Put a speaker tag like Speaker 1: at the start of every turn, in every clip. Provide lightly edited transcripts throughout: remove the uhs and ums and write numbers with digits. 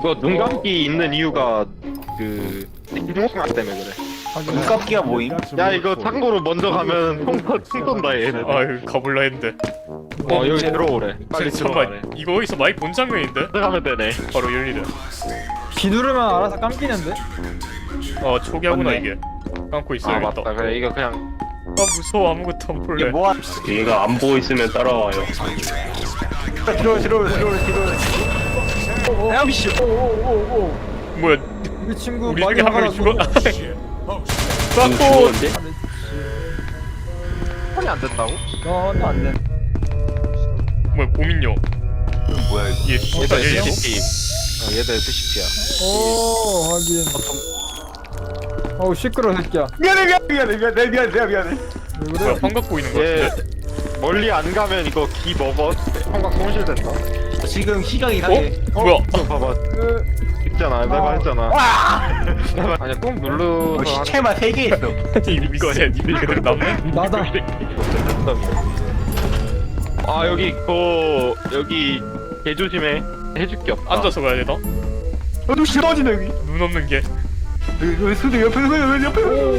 Speaker 1: 이거 눈 감기 있는 이유가 그 뒷목각 때문에 그래.
Speaker 2: 눈감기가 뭐임?
Speaker 1: 야 이거 창고로 먼저 가면 총 쏜다 얘네.
Speaker 3: 아유 가볼라 했는데.
Speaker 1: 여기 들어오래. 빨리 들어가래.
Speaker 3: 잠깐만 이거 어디서 많이 본 장면인데?
Speaker 1: 들어가면 되네.
Speaker 3: 바로 열리네.
Speaker 4: 기 누르면 알아서 감기는데?
Speaker 3: 초기하구나
Speaker 2: 맞네.
Speaker 3: 이게. 감고
Speaker 1: 아
Speaker 3: 있어야겠다.
Speaker 1: 맞다. 그래 이거 그냥
Speaker 3: 무서워 아무것도 안 볼래.
Speaker 2: 이게 뭐야?
Speaker 5: 얘가 안 보고 있으면 따라와요.
Speaker 2: 들어오래.
Speaker 4: 야미씨 오오오오
Speaker 3: 뭐야
Speaker 4: 우리 친구
Speaker 3: 우리 중에 한 명이 죽어?
Speaker 5: 안
Speaker 3: 빡고
Speaker 5: 죽었는데?
Speaker 1: 폰이 안 된다고?
Speaker 4: 너는 안돼
Speaker 3: 뭐야 고민요.
Speaker 2: 뭐야 이거?
Speaker 3: 얘
Speaker 1: 얘도
Speaker 3: 진짜 얘
Speaker 1: SCP. 얘도 SCP야.
Speaker 4: 오 하긴 어우 시끄러워 새끼야
Speaker 2: 미안해.
Speaker 4: 왜
Speaker 3: 뭐야
Speaker 4: 그래?
Speaker 3: 환 갖고 있는 거
Speaker 1: 얘
Speaker 3: 같은데?
Speaker 1: 멀리 안 가면 이거 기 먹어. 성각 손실된다.
Speaker 2: 지금 시각이 이상해.
Speaker 3: 뭐야?
Speaker 1: 이거 봐봐. 있잖아. 내가 했잖아. 아니야 꾹 누르서
Speaker 2: 시체만 3개 있어.
Speaker 3: 이 미세 니들 그대로 남네?
Speaker 4: 나다
Speaker 1: 아 여기 여기 개 조심해. 해줄 게 없다.
Speaker 3: 앉아서 가야 되나?
Speaker 2: 너도 싫어지네 여기.
Speaker 3: 눈 없는 게.
Speaker 2: 여기 손 옆에.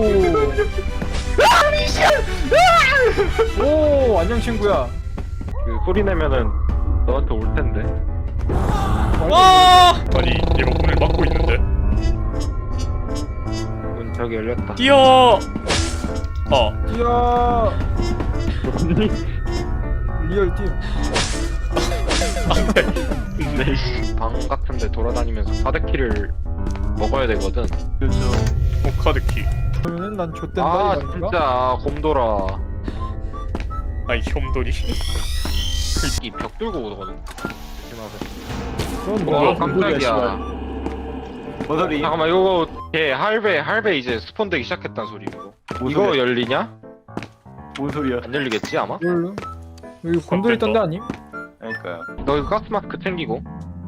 Speaker 4: 오 안녕 친구야
Speaker 1: 그 소리 내면은 너한테 올 텐데.
Speaker 3: 와! 아니 얘가 문을 막고 있는데.
Speaker 1: 문 저기 열렸다.
Speaker 3: 뛰어!
Speaker 4: 이야 리얼 팀
Speaker 1: 근데 방 같은데 돌아다니면서 4대키를 먹어야 되거든.
Speaker 3: 카드키.
Speaker 4: 그러면은 난 좆된다
Speaker 1: 아
Speaker 4: 이 말인가?
Speaker 1: 진짜 곰돌아.
Speaker 3: 아이 혐돌이.
Speaker 1: 이 벽 뚫고 오거든. 조심하세요.
Speaker 4: 그건
Speaker 3: 뭐야,
Speaker 4: 뭐야
Speaker 1: 깜짝이야.
Speaker 2: 뭔 소리?
Speaker 1: 잠깐만 이거 걔 할배 이제 스폰되기 시작했다는 소리 이거. 이거 열리냐?
Speaker 2: 뭔 소리야?
Speaker 1: 안 열리겠지 아마?
Speaker 4: 뭘로? 여기 곤돌 있던데 아님?
Speaker 2: 그러니까요.
Speaker 1: 너 이거 가스마스크 챙기고.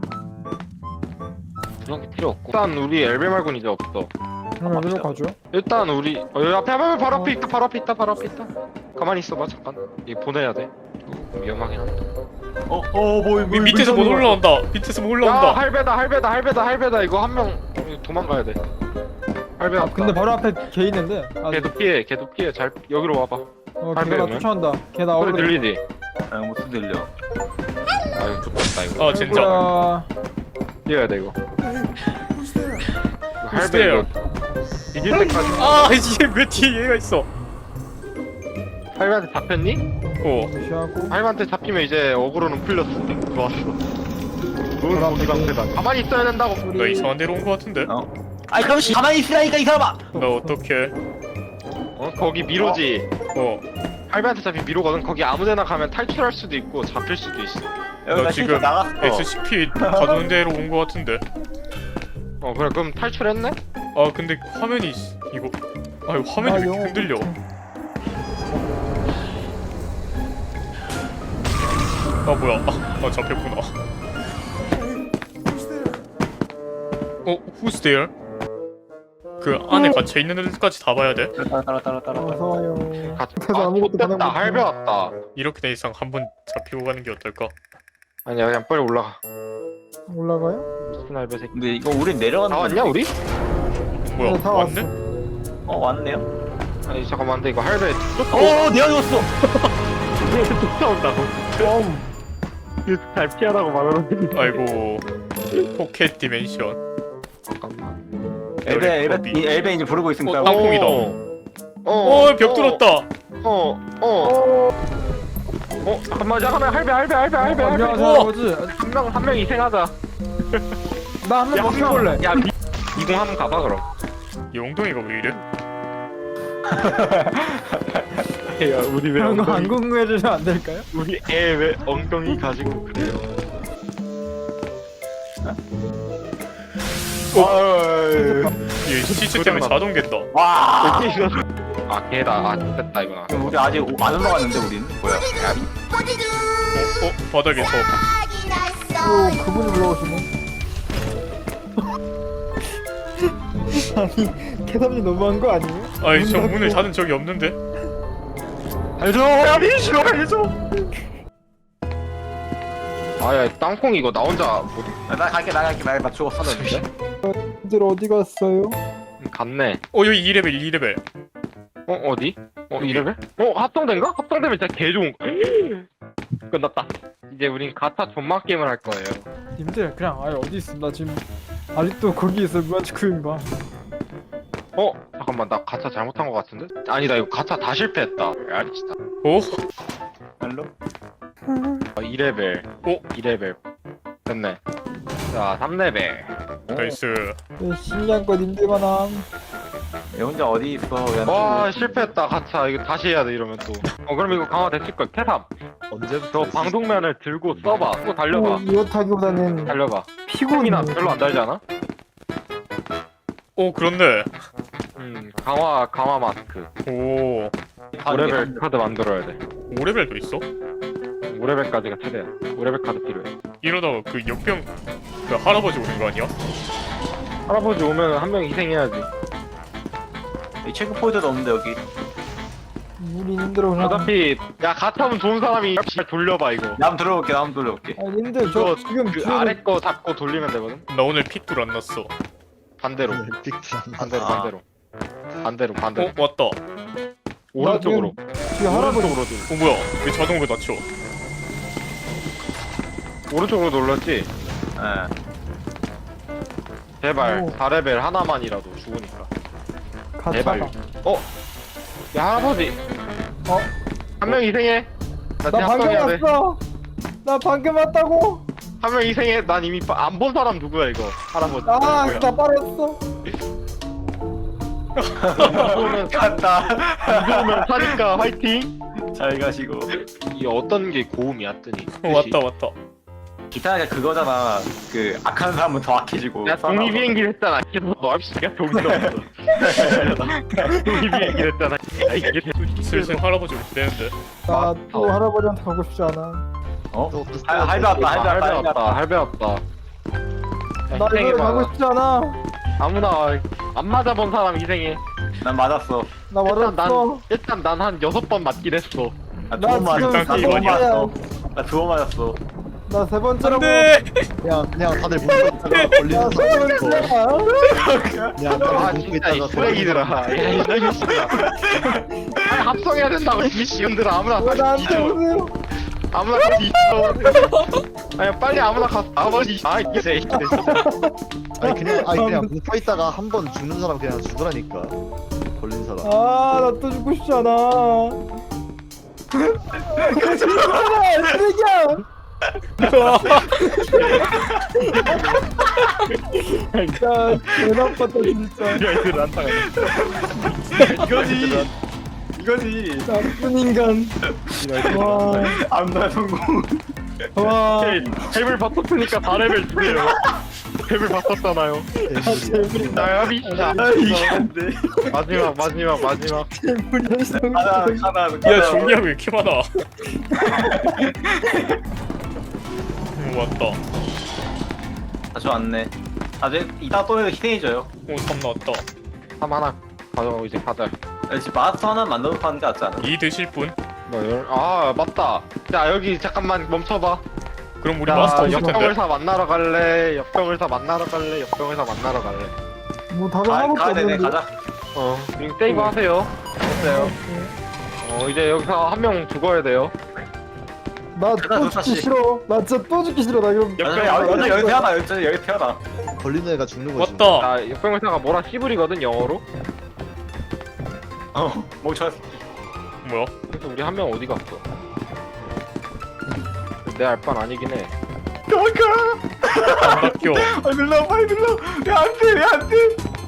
Speaker 1: 그런 게 필요 없고. 일단 우리 엘베 말고는 이제 없어.
Speaker 4: 그럼 여기로 가죠
Speaker 1: 일단 우리 여기 앞에 바로 앞에 있다 바로 앞에 있다. 가만히 있어봐 잠깐. 이거 보내야 돼. 위험하긴 한데.
Speaker 2: 뭐
Speaker 3: 밑에서 못 올라온다. 밑에서 못
Speaker 1: 야
Speaker 3: 올라온다.
Speaker 1: 할배다 이거 한 명 도망가야 돼. 할배
Speaker 4: 아
Speaker 1: 왔다.
Speaker 4: 근데 바로 앞에 걔 있는데 아,
Speaker 1: 걔도 피해 잘 여기로 와봐.
Speaker 4: 걔가 나
Speaker 1: 할배는?
Speaker 4: 쫓아온다 걔 나
Speaker 1: 소리
Speaker 4: 오래
Speaker 1: 들리지?
Speaker 2: 무슨 들려?
Speaker 1: 아유 좋겠다 이거.
Speaker 3: 진짜.
Speaker 4: 뭐야
Speaker 1: 뛰어야 돼 이거. 할배
Speaker 3: 글쎄요.
Speaker 1: 이거 이길 때까지.
Speaker 3: 이게 왜 뒤에 얘가 있어?
Speaker 1: 할배한테 잡혔니?
Speaker 4: 무시하고
Speaker 1: 할배한테 잡히면 이제 어그로는 풀렸어. 좋았어. 좋은 무기 방패다. 가만히 있어야 된다고.
Speaker 3: 나 이상한 데로 온 거 같은데?
Speaker 2: 아니 그럼 가만히 있으라니까 이 사람아.
Speaker 3: 나 어떡해?
Speaker 1: 거기 미로지.
Speaker 3: 어.
Speaker 1: 할배한테 잡힌 미로거든. 거기 아무데나 가면 탈출할 수도 있고 잡힐 수도 있어.
Speaker 2: 여기 나
Speaker 3: 지금
Speaker 2: 지금 나갔어.
Speaker 3: SCP 가는 데로 온 거 같은데?
Speaker 1: 그래 그럼 탈출했네?
Speaker 3: 근데 화면이 이거 화면이 왜 이렇게 흔들려? 뭐야? 잡혔구나. Who's there? 그 안에 갇혀 있는 애들까지 다 봐야 돼?
Speaker 2: 따라.
Speaker 4: 어서와요
Speaker 1: 아
Speaker 4: 아무것도
Speaker 1: 됐다.
Speaker 4: 가능 못해.
Speaker 1: 할배 왔다.
Speaker 3: 이렇게 된 이상 한번 잡히고 가는 게 어떨까?
Speaker 1: 아니야 그냥 빨리 올라가.
Speaker 4: 올라가요?
Speaker 1: 무슨 할배 새끼.
Speaker 2: 근데 이거 우린 내려가는
Speaker 1: 다 왔냐 우리?
Speaker 3: 뭐야?
Speaker 4: 다
Speaker 3: 왔네?
Speaker 2: 왔네요.
Speaker 1: 아니 잠깐만 근데 이거 할배
Speaker 2: 내가 죽었어.
Speaker 1: 쫓아온다고. 잘 피하라고 말하는.
Speaker 3: 아이고 포켓 디멘션.
Speaker 1: 잠깐만.
Speaker 2: 엘베 이제 부르고 있으니까.
Speaker 3: 땅콩이다. 벽 뚫었다.
Speaker 1: 잠깐만 할배.
Speaker 4: 안녕하세요
Speaker 3: 어.
Speaker 4: 아버지
Speaker 1: 한 명 희생하자.
Speaker 4: 나 한 명 먹여볼래
Speaker 1: 야 이공 한번 가봐 그럼.
Speaker 3: 영동이가 왜 이래?
Speaker 1: 야 우리 왜
Speaker 4: 그런 거 안 궁금해주시면 안 될까요?
Speaker 1: 우리 애 왜 엉덩이 가지고 그래요?
Speaker 3: 얘 시체 때문에 자동 갠다.
Speaker 2: 와.
Speaker 1: 걔다. 됐다 이거.
Speaker 2: 그럼 우리 아직 안 올라갔는데 우린 뭐야?
Speaker 3: 바닥에서
Speaker 4: 오 그분이 올라오시네 아니 캐담이 너무한 거 아니에요?
Speaker 3: 저 문을 닫은 적이 없는데?
Speaker 1: 알죠? 야 민씨 알죠? 아야 땅콩 이거 나 혼자 못
Speaker 2: 나 갈게 나 죽었어.
Speaker 1: 하는데?
Speaker 4: 님들 어디 갔어요?
Speaker 1: 갔네.
Speaker 3: 여기 2레벨 2레벨.
Speaker 1: 어디? 2레벨? 합성된가? 합성되면 진짜 개 좋은 거. 끝났다. 이제 우린 가타 존맛 게임을 할 거예요.
Speaker 4: 님들 그냥 아예 어디 있음? 나 지금 아직도 거기 있어 무한치쿠인가?
Speaker 1: 잠깐만 나 가차 잘못한 거 같은데? 아니다 이거 가차 다 실패했다. 야 진짜.
Speaker 3: 오?
Speaker 2: 별로?
Speaker 1: 2레벨. 2레벨. 됐네. 자 3레벨.
Speaker 3: 나이스.
Speaker 4: 신기한 거 님들만 함.
Speaker 2: 얘 혼자 어디 있어?
Speaker 1: 와 실패했다 가차 이거 다시 해야 돼 이러면 또. 그럼 이거 강화 됐을 걸. 태삼.
Speaker 6: 언제부터
Speaker 1: 저 방독면을 들고 써봐. 또 달려봐.
Speaker 4: 이거 타기보다는
Speaker 1: 달려봐.
Speaker 4: 피곤이
Speaker 1: 나 별로 안 달지 않아?
Speaker 3: 오 그런데.
Speaker 1: 강화 마스크.
Speaker 3: 오
Speaker 1: 5레벨 카드 만들어야 돼.
Speaker 3: 5레벨도 있어?
Speaker 1: 5레벨까지가 최대야. 5레벨 카드 필요해.
Speaker 3: 이러다가 그 역병 그 할아버지 오는 거 아니야?
Speaker 1: 할아버지 오면 한 명 희생해야지.
Speaker 2: 이 체크 포인트도 없는데 여기.
Speaker 4: 우리 님들 그냥.
Speaker 1: 어차피 야 가타면 좋은 사람이 잘 돌려봐 이거.
Speaker 2: 남 들어올게.
Speaker 4: 아 님들 저
Speaker 1: 이거
Speaker 4: 지금
Speaker 1: 그
Speaker 4: 뒤에는-
Speaker 1: 아래 거 잡고 돌리면 되거든.
Speaker 3: 나 오늘 픽도 안 났어.
Speaker 1: 반대로. 반대로 반대로. 반대로 반대로.
Speaker 3: 왔다.
Speaker 1: 오른쪽으로.
Speaker 4: 뒤에 할아버지
Speaker 1: 오른쪽으로
Speaker 3: 뭐야? 왜 자동으로 낮춰?
Speaker 1: 오른쪽으로 눌렀지.
Speaker 2: 예.
Speaker 1: 제발
Speaker 4: 오.
Speaker 1: 4레벨 하나만이라도 죽으니까. 제발.
Speaker 4: 가차다.
Speaker 1: 야 할아버지. 한 명 희생해. 나
Speaker 4: 나 방금
Speaker 1: 합성해야 돼.
Speaker 4: 왔어. 나 방금 왔다고.
Speaker 1: 한 명 희생해. 난 이미 안 본 사람 누구야 이거. 할아버지.
Speaker 4: 아,
Speaker 1: 누구야?
Speaker 4: 나 빠졌어.
Speaker 1: 이거는
Speaker 2: 갔다.
Speaker 1: 이거면 사니까 화이팅.
Speaker 2: 잘 가시고.
Speaker 1: 이 어떤 게 고음이야 뜨니?
Speaker 3: 왔다.
Speaker 2: 기타가 그거잖아. 그 악한 사람은 더 악해지고.
Speaker 1: 야 독립 비행기를 했잖아. 계속 너 합시야 독립 없어. 독립 비행기를 했잖아. 야 이게
Speaker 3: 슬슬 할아버지 올 때는데.
Speaker 4: 나 또 할아버지한테 가고 싶지 않아.
Speaker 2: 어?
Speaker 6: 또
Speaker 2: 할배 왔다.
Speaker 1: 할배 왔다.
Speaker 4: 나 이거 가고 싶지 않아.
Speaker 1: 아무나 안 맞아본 사람 희생해.
Speaker 2: 난 맞았어.
Speaker 4: 나
Speaker 1: 일단
Speaker 4: 맞았어.
Speaker 1: 난 한 6번 맞긴 했어.
Speaker 2: 나
Speaker 4: 나
Speaker 2: 두 번
Speaker 4: 지금
Speaker 2: 맞았어.
Speaker 3: 두 번
Speaker 2: 맞았어. 나 두 번 맞았어.
Speaker 4: 나 세 번째라고.
Speaker 3: 안돼.
Speaker 6: 그냥 다들 문 닫다가 걸리는
Speaker 4: 나 세
Speaker 6: 사람 있고
Speaker 4: 번째야.
Speaker 6: 그냥
Speaker 1: 아
Speaker 6: 다들 문
Speaker 1: 진짜 이
Speaker 6: 있다가
Speaker 1: 쓰레기들아. 야이 쓰레기들아. 아니 합성해야 된다고 이 미시언들아. 아무나
Speaker 4: 왜 나한테
Speaker 1: 뒤져.
Speaker 4: 오세요?
Speaker 1: 아무나 가서 뒤져. 아니 빨리 아무나 가서 아버지. 아 이게 진짜.
Speaker 6: 그냥 뭉쳐 있다가 한 번 죽는 사람 그냥 죽으라니까 걸린 사람.
Speaker 4: 아, 나 또 죽고 싶지 않아. 쓰레기야. 야, 대단하다 진짜.
Speaker 1: 이들 안 타가.
Speaker 2: 이거지.
Speaker 4: 나쁜 인간. 와,
Speaker 2: 암살 성공.
Speaker 4: 와.
Speaker 1: 탭을 바꿨으니까 4레벨 주세요. 탭을 바꿨잖아요. 나야 미쳐.
Speaker 2: 이게 안 돼.
Speaker 1: 마지막.
Speaker 2: 가다.
Speaker 3: 야 종이야 왜 이렇게 많아? 왔다.
Speaker 2: 다시 왔네. 아직 이따 또 희생해줘요.
Speaker 3: 오3 나왔다.
Speaker 1: 3 하나 가져가고 이제 가자.
Speaker 2: 지금 마스터 하나 만들어 파는 게 낫지 않아?
Speaker 3: 이 드실 분?
Speaker 1: 아 맞다. 자 여기 잠깐만 멈춰봐.
Speaker 3: 그럼 우리
Speaker 1: 자
Speaker 3: 마스터 없을 텐데.
Speaker 1: 역병을사 만나러 갈래? 역병을사 만나러 갈래?
Speaker 4: 뭐 답을 하나밖에
Speaker 2: 가야 되네.
Speaker 4: 없는데.
Speaker 2: 가자.
Speaker 1: 지금 세이브 하세요. 됐어요. 이제 여기서 한 명 죽어야 돼요.
Speaker 4: 나
Speaker 2: 가자,
Speaker 4: 또
Speaker 2: 다시.
Speaker 4: 죽기 싫어. 나 진짜 또 죽기 싫어. 나 이거.
Speaker 2: 여기 태어나. 여기 태어나.
Speaker 6: 걸리는 애가 죽는 거지.
Speaker 3: 왔다.
Speaker 1: 자 역병을사가 뭐라 씨불이거든 영어로.
Speaker 2: 멈춰.
Speaker 3: 뭐야?
Speaker 1: 그래서 우리 한 명 어디 갔어? 내 알바는 아니긴 해.
Speaker 3: 안 바뀌어.
Speaker 2: 눌러 빨리 눌러. 왜안 돼?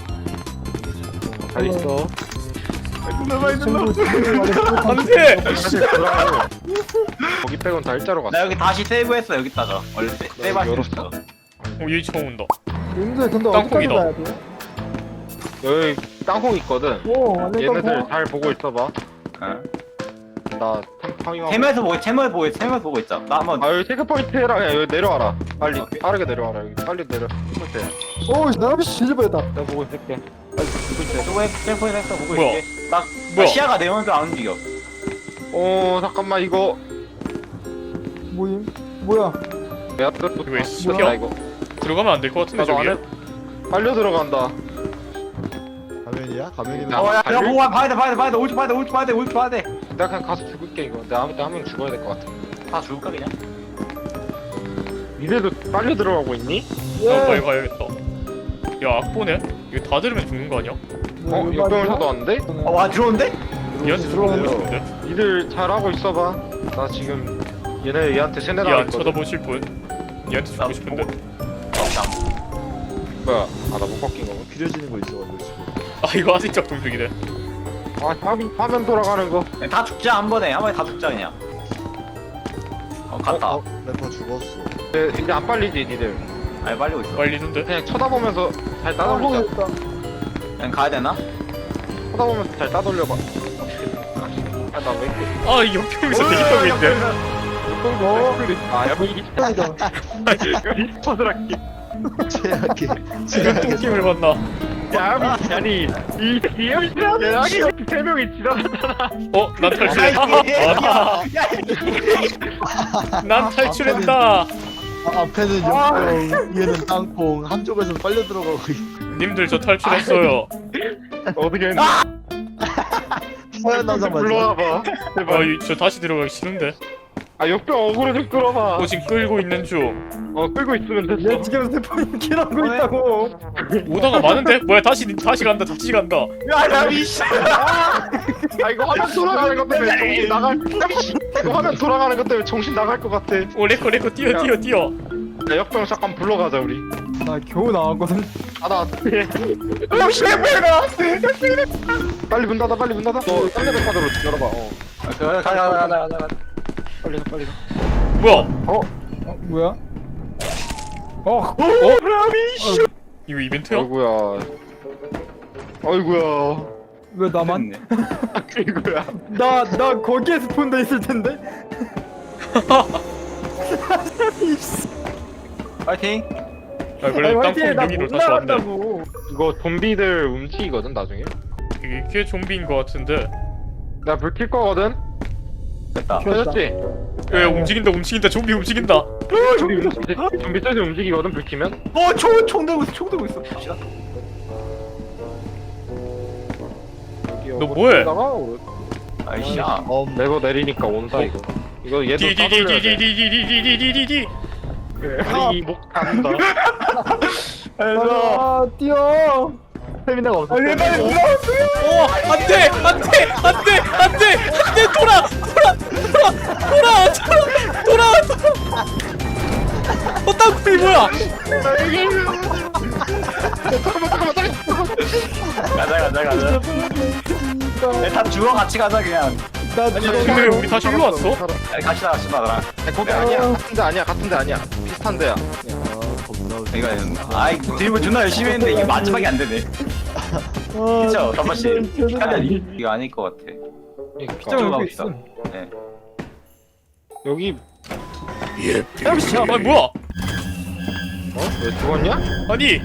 Speaker 1: 잘 있어.
Speaker 2: 눌러 빨리
Speaker 4: 친구 친구 말했어.
Speaker 3: 안돼.
Speaker 1: 사실 들어가고 거기 빼곤 다 일자로 갔어.
Speaker 2: 나 여기 다시 세이브했어 여기다가. 원래 세이브 할수
Speaker 1: 열었어?
Speaker 2: 있어.
Speaker 3: 얘 처음 온다.
Speaker 4: 님들 근데 어디까지
Speaker 3: 땅콩이다.
Speaker 4: 가야 돼?
Speaker 1: 여기 땅콩 있거든.
Speaker 4: 오, 완전
Speaker 1: 얘네들
Speaker 4: 땅콩.
Speaker 1: 잘 보고 있어봐.
Speaker 2: 어.
Speaker 1: 나 탐황이하고.
Speaker 2: 채널 보고 있자. 나 한번.
Speaker 1: 아 여기 체크 포인트 해라. 그냥 여기 내려와라. 빨리
Speaker 2: 오케이.
Speaker 1: 빠르게 내려와라. 여기 빨리 내려. 체크 포인트.
Speaker 4: 오, 나 진짜 뻔했다.
Speaker 1: 내가 보고 있을게. 빨리 보고 있어.
Speaker 2: 저거 셀프에 했어 보고
Speaker 3: 뭐야?
Speaker 2: 있게. 나
Speaker 3: 뭐야?
Speaker 2: 시야가 내 먼저 안 움직여.
Speaker 1: 잠깐만 이거
Speaker 4: 뭐임? 뭐야?
Speaker 1: 야, 또
Speaker 3: 이거 왜
Speaker 1: 나 이거.
Speaker 3: 들어가면 안 될 것 같은데
Speaker 1: 나도
Speaker 3: 저기에?
Speaker 1: 안에 빨려 들어간다.
Speaker 6: 가면이야? 가면이면
Speaker 1: 야,
Speaker 2: 야 보고 봐야 돼 올줄 봐야 돼.
Speaker 1: 내가 그냥 가서 죽을게 이거. 내가 아무 때 한 명 죽어야 될 것 같아.
Speaker 2: 다 죽을까 그냥?
Speaker 1: 니네도 빨려 들어가고 있니?
Speaker 3: 나 빨리 가야겠다. 야 악보네? 이거 다 들으면 죽는 거 아니야?
Speaker 1: 역병을 사도 왔는데?
Speaker 2: 와 들어온대?
Speaker 3: 얘한테
Speaker 6: 들어오네요.
Speaker 3: 죽고 싶은데?
Speaker 1: 니들 잘하고 있어봐. 나 지금 얘한테 세뇌
Speaker 3: 얘안
Speaker 1: 당했거든.
Speaker 3: 쳐다보실 분? 얘한테 죽고 싶은데?
Speaker 1: 뭐야? 아 나 못 바뀐 거고.
Speaker 6: 필요해지는 거 있어가지고 지금.
Speaker 3: 아 이거 아직 작동중이네.
Speaker 1: 아 화면 돌아가는 거.
Speaker 2: 다 죽자 한 번에 다 죽자 그냥. 갔다.
Speaker 6: 래퍼 죽었어.
Speaker 1: 이제 안 빨리지 니들.
Speaker 2: 아니 빨리고 있어.
Speaker 3: 빨리는데?
Speaker 1: 그냥 쳐다보면서 잘 따돌리자.
Speaker 2: 그냥 가야 되나?
Speaker 1: 쳐다보면서 잘 따돌려봐. 아 나 왜 이렇게?
Speaker 3: 아 이 역병에서 대기하고 있네.
Speaker 1: 아 여기 리스폰을 할게.
Speaker 6: 최악의
Speaker 3: 지금 똥김을 봤나?
Speaker 1: 야 아니 이 기억이랑 세 명이 지나갔잖아.
Speaker 3: 어? 난 탈출했다. 난 탈출했다.
Speaker 6: 앞에는 역병, 위에는 땅콩, 한쪽에서 빨려 들어가고 있고.
Speaker 3: 님들 저 탈출했어요.
Speaker 1: 어떻게 했니?
Speaker 6: 서현 남자 맞아.
Speaker 1: 불러와봐. 제발.
Speaker 3: 저 다시 들어가기 싫은데.
Speaker 1: 아 역병 어그로 좀 끌어봐.
Speaker 3: 지금 끌고 있는 중.
Speaker 1: 끌고 있으면
Speaker 4: 얘
Speaker 1: 됐어.
Speaker 4: 지금 스포인 킬하고 있다고.
Speaker 3: 오다가 많은데? 뭐야 다시 간다.
Speaker 2: 야야 미씨.
Speaker 1: 아 이거 화면 돌아가는 것 때문에 정신 나갈. 이거 화면 돌아가는 것 때문에 정신 나갈 것 같아.
Speaker 3: 오 레코 뛰어.
Speaker 1: 야 역병 잠깐 불러가자 우리.
Speaker 4: 나 겨우 나왔거든.
Speaker 1: 아나 빨리 문 닫아. 너 딴데 카드로 열어봐.
Speaker 2: 가자.
Speaker 1: 빨리 가.
Speaker 3: 뭐야?
Speaker 4: 뭐야?
Speaker 3: 이거 이벤트야?
Speaker 1: 어이구야.
Speaker 4: 왜 나만?
Speaker 1: 아이고야.
Speaker 4: 나 거기에 스폰돼 있을 텐데.
Speaker 2: 파이팅.
Speaker 3: 아 그래 땅콩
Speaker 4: 나
Speaker 3: 여기로
Speaker 4: 못
Speaker 3: 다시 왔네.
Speaker 4: 나간다고.
Speaker 1: 이거 좀비들 움직이거든 나중에.
Speaker 3: 이게 좀비인 것 같은데.
Speaker 1: 나 불 킬 거거든.
Speaker 2: 됐다.
Speaker 1: 켜졌지?
Speaker 3: 왜 움직인다 좀비 움직인다.
Speaker 1: 좀비 셋이 움직이거든 불 키면.
Speaker 2: 총 들고 있어.
Speaker 3: 너 뭐해?
Speaker 2: 아이씨야.
Speaker 1: 레고 내리니까 온다 이거. 이거 얘도 따돌려야 돼.
Speaker 3: 디디디디디디디디디디.
Speaker 1: 아니 목 간다.
Speaker 4: 아 뛰어.
Speaker 6: 스태미나가 없어.
Speaker 3: 안돼 돌아. 땅콩이 뭐야?
Speaker 2: 가자. 다 죽어 같이 가자 그냥.
Speaker 3: 근데 왜 우리 다시 일로 왔어?
Speaker 2: 같이 나랑.
Speaker 1: 거기 아니야. 같은 데 아니야. 비슷한 데야.
Speaker 2: 이거 아이 드리블 존나 열심히 했는데 이게 마지막이 안 되네. 그쵸 덤버씨. 이거 아닐 것 같아.
Speaker 1: 그러니까.
Speaker 2: 좀
Speaker 4: 여기
Speaker 2: 있어.
Speaker 4: 있어.
Speaker 2: 네.
Speaker 1: 여기
Speaker 3: 아 뭐야?
Speaker 1: 왜 죽었냐?
Speaker 3: 아니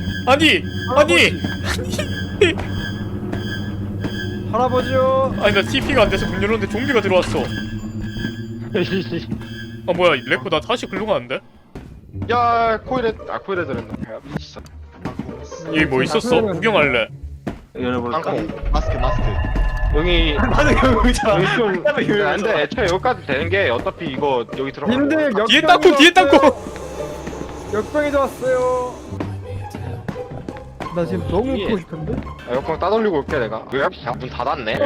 Speaker 4: 할아버지요.
Speaker 3: 나 TP가 안 돼서 문 열었는데 좀비가 들어왔어. 아 뭐야 레코 나 다시 글로 가는데?
Speaker 1: 야 코일에 들었나? 진짜.
Speaker 3: 여기 뭐 있었어? 구경할래.
Speaker 2: 열어볼까?
Speaker 1: 땅콩.
Speaker 6: 마스크.
Speaker 1: 여기
Speaker 2: 맞아 여기 있잖아.
Speaker 1: 여기 좀 근데 애초에 여기까지 되는 게 어차피 이거 여기 들어가.
Speaker 4: 님들
Speaker 3: 뒤에 땅콩.
Speaker 4: 역병이 왔어요. 나 지금 너무
Speaker 1: 예.
Speaker 4: 웃고 싶은데?
Speaker 1: 역광 따돌리고 올게 내가. 문 닫았네.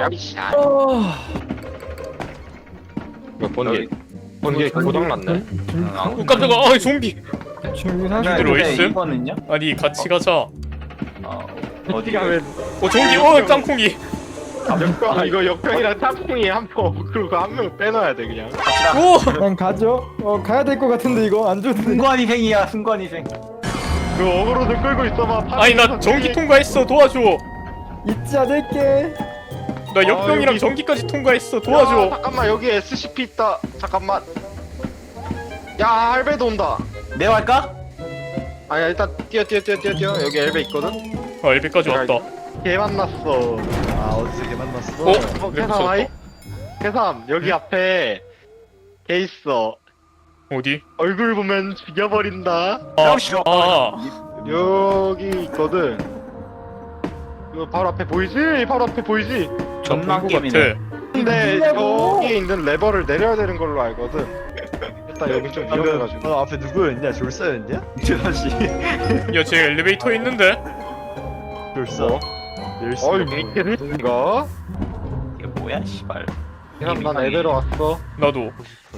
Speaker 1: 번개 고장 났네.
Speaker 3: 깜짝아 좀비.
Speaker 4: 지금
Speaker 3: 들어
Speaker 4: 사실
Speaker 3: 있음?
Speaker 2: 이거는요?
Speaker 3: 아니 같이 가자.
Speaker 2: 어디가
Speaker 1: 왜?
Speaker 3: 좀비 땅콩이.
Speaker 1: 이거 역병이랑 짬뽕이 한포 그리고 한 명 빼놔야 돼 그냥.
Speaker 3: 오.
Speaker 4: 그냥 가죠. 가야 될 것 같은데 이거 안 좋은데.
Speaker 2: 순간희생이야 순간희생.
Speaker 1: 그 어그로 좀 끌고 있어봐.
Speaker 3: 아니 나 전기 통과했어 도와줘.
Speaker 4: 잊지 않을게.
Speaker 3: 나 역병이랑
Speaker 1: 여기.
Speaker 3: 전기까지 통과했어
Speaker 1: 야,
Speaker 3: 도와줘.
Speaker 1: 잠깐만 여기 SCP 있다. 잠깐만. 야 할배도 온다.
Speaker 2: 내가 할까?
Speaker 1: 아니야 일단 뛰어 여기 엘베 있거든.
Speaker 3: 엘베까지 왔다.
Speaker 1: 걔 만났어.
Speaker 6: 어디서 걔 만났어?
Speaker 3: 어?
Speaker 1: 계삼 아이? 계삼 여기 앞에 걔 있어.
Speaker 3: 어디?
Speaker 1: 얼굴 보면 죽여버린다.
Speaker 3: 아,
Speaker 1: 여기 있거든. 이거 바로 앞에 보이지? 바로 앞에 보이지?
Speaker 2: 존나
Speaker 3: 것
Speaker 2: 게임이네.
Speaker 3: 같아.
Speaker 1: 근데 저기 있는 레버를 내려야 되는 걸로 알거든. 일단 여기 좀 위험해가지고.
Speaker 6: 너 앞에 누구였냐? 졸사였냐?
Speaker 2: 저씨.
Speaker 3: 야, 쟤 엘리베이터에 있는데?
Speaker 6: 졸사.
Speaker 1: 뭐?
Speaker 6: 열쇠.
Speaker 1: 어이 미친가?
Speaker 2: 이게 뭐야 씨발.
Speaker 1: 그냥 난 애들어 왔어.
Speaker 3: 나도.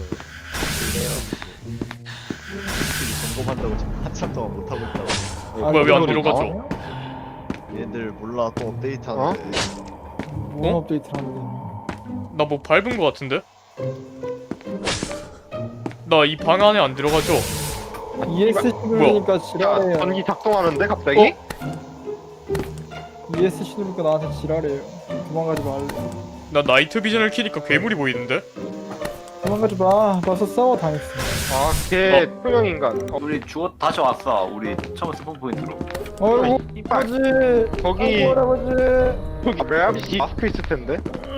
Speaker 6: 점검한다고 지금 한참 동안 못 하고 있다고.
Speaker 3: 뭐야, 왜안 들어가죠?
Speaker 6: 얘들 몰라 또 업데이트하는데.
Speaker 4: 뭔 업데이트를 하는데.
Speaker 3: 나 뭐 밟은 거 같은데? 나 이 방 안에 안 들어가죠?
Speaker 4: ESC 누르니까
Speaker 1: 야
Speaker 4: 지랄해요.
Speaker 1: 전기 작동하는데 갑자기?
Speaker 4: ESC 누르니까 나한테 지랄해요. 도망가지 말래.
Speaker 3: 나 나이트 비전을 키니까 괴물이 보이는데?
Speaker 4: 도망가지 마. 벌써 싸워 당했어.
Speaker 1: 아걔 투명 인간.
Speaker 2: 우리 죽었 다시 왔어. 우리 처음 스폰 포인트로.
Speaker 4: 어이구
Speaker 1: 이빨.
Speaker 4: 아버지.
Speaker 1: 거기
Speaker 4: 아이고, 할아버지.
Speaker 1: 저기 매합이 마스크 있을 텐데.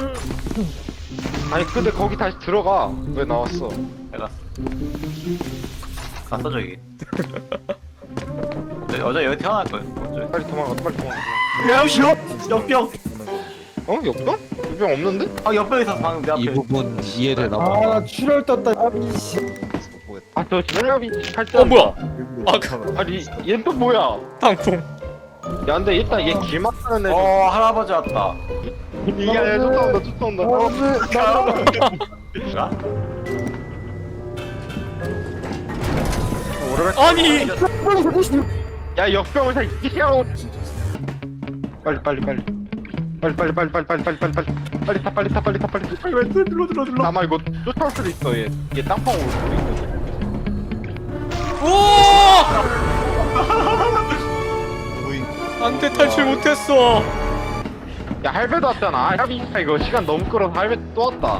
Speaker 1: 아니 근데 거기 다시 들어가. 왜 나왔어?
Speaker 2: 내가 갔어 저기. 여자 여기 태어날 거야. 먼저.
Speaker 1: 빨리 도망가. 빨리 도망가.
Speaker 2: 야 싫어. 역병.
Speaker 1: 어? 옆병? 옆병 없는데?
Speaker 2: 아 옆병 있었어 방금 내 앞에.
Speaker 7: 이 부분 이해되나 봐.
Speaker 4: 아 출혈 떴다. 아비씨.
Speaker 1: 아저 매합이 할때
Speaker 3: 뭐야?
Speaker 1: 아니 얘 또 뭐야?
Speaker 3: 땅콩.
Speaker 1: 야 근데 일단 얘 길만 타는 애.
Speaker 2: 할아버지 왔다.
Speaker 1: 이게 아니라 쫓아온다.
Speaker 2: 야?
Speaker 1: 오래갈
Speaker 3: 아니!
Speaker 1: 야 역병을 다 이기라고. 빨리 왜 눌러 아마 이거 쫓아올 수도 있어. 얘 땅콩 올 수도 있거든.
Speaker 3: 우와! 안돼, 탈출 못했어.
Speaker 1: 야 할배도 왔잖아. 야 이거 시간 너무 끌어서 할배 또 왔다.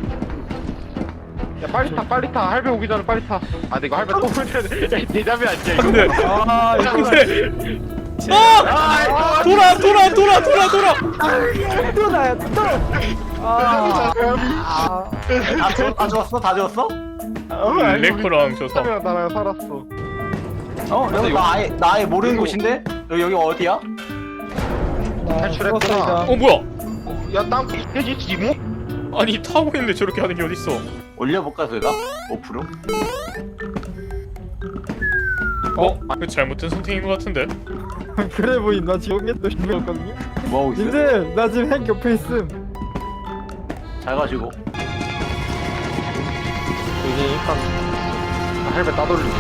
Speaker 1: 야 빨리 타 할배 오기 전에 빨리 타. 아 근데 이거 할배 또 오면 대답이 안 돼. 이거.
Speaker 3: 안돼. 안돼. 아! 돌아.
Speaker 4: 또 나야 또. 아.
Speaker 2: 다 죽었어?
Speaker 3: 레커랑 저 사.
Speaker 1: 나랑 살았어.
Speaker 2: 여기 나 아예 모르는 곳인데? 여기 어디야?
Speaker 1: 탈출했구나.
Speaker 3: 뭐야?
Speaker 1: 야 땅콩 돼지 지모?
Speaker 3: 아니, 타고 있는데 저렇게 하는 게 어딨어?
Speaker 2: 올려볼까 저희가? 5%?
Speaker 3: 그 잘못된 선택인 것 같은데?
Speaker 4: 그래 보인. 나 지금 옛날 준비했거든요.
Speaker 2: 뭐하고 있어?
Speaker 4: 님들 나 지금 핵 옆에 있음.
Speaker 2: 잘 가지고.
Speaker 1: 이제 일단 할배 따돌리고.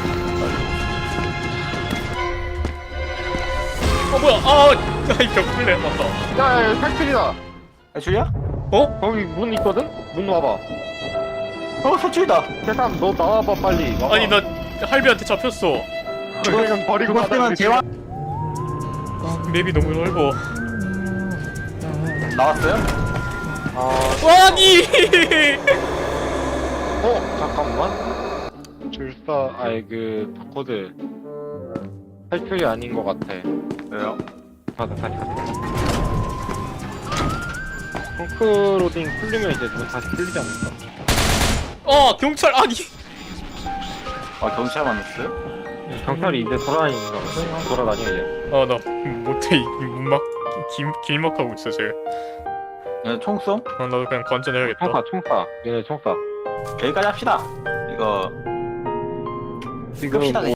Speaker 3: 뭐야? 이 벽돌래 맞다.
Speaker 1: 야 탈출이다.
Speaker 2: 줄이야?
Speaker 1: 거기 문 있거든? 문 와봐.
Speaker 2: 소출이다.
Speaker 1: 세상 너 나와봐 빨리. 와봐.
Speaker 3: 아니, 나 할비한테 잡혔어.
Speaker 1: 그냥 버리고
Speaker 2: 그것 때문에 대화
Speaker 3: 맵이 너무 넓어.
Speaker 2: 나왔어요?
Speaker 3: 아니!
Speaker 1: 잠깐만. 줄사 그 바코드 탈출이 아닌 것 같아.
Speaker 2: 왜요?
Speaker 1: 다시. 펑크로딩 풀리면 이제 문 다시 풀리지 않을까?
Speaker 3: 경찰 아니.
Speaker 2: 경찰 만났어요?
Speaker 1: 경찰이 이제 돌아다니는 거 같아. 돌아다녀 이제.
Speaker 3: 나 못해. 이 문막 길막하고 있어 쟤.
Speaker 2: 그냥 총 쏘?
Speaker 3: 나도 그냥 관전해야겠다.
Speaker 1: 총사. 얘네 총사.
Speaker 2: 여기까지 합시다. 이거
Speaker 1: 지금
Speaker 2: 끕시다, 그냥.